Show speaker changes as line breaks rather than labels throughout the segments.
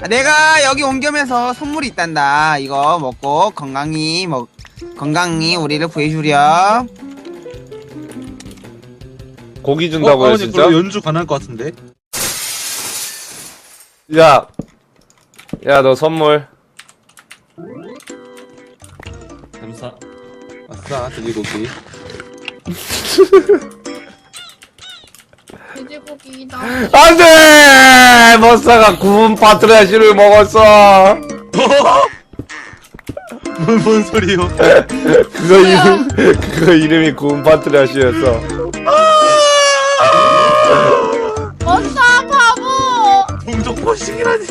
내가 여기 온 겸해서 선물이 있단다. 이거 먹고 건강히 우리를 구해주렴.
고기 준다고요, 진짜?
그럼 연주 가능할 것 같은데?
야, 너 선물.
감사. 아싸, 돼지고기.
돼지고기다.
안 돼! 머싸가 구운 파트라시를 먹었어.
뭔 소리요?
그거 이름이 구운 파트라시였어.
멋사 바보.
동족 포식이라니.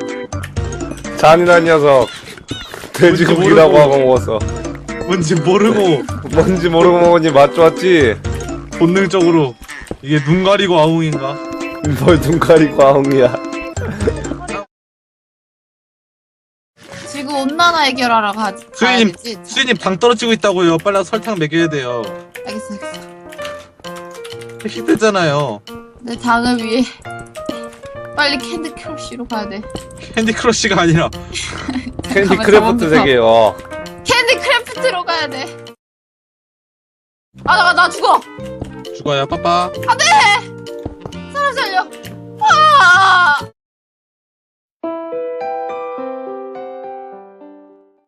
잔인한 녀석. 돼지고기라고 하고 먹었어.
뭔지 모르고
뭔지 모르고 먹으니 맛 좋았지?
본능적으로 이게 눈 가리고 아웅인가?
뭘 눈 가리고 아웅이야.
지구 온난화 해결하러 가야
수인님,
되지.
수인님 당 떨어지고 있다고요. 빨리 와서 설탕 먹여야 돼요.
알겠어.
핵식되잖아요.
내 당을 위해 빨리 캔디 크러쉬로 가야 돼.
캔디 크러쉬가 아니라
캔디 크래프트 세계.
캔디 크래프트로 가야 돼. 나 죽어.
죽어요. 빠빠.
사람 살려. 아!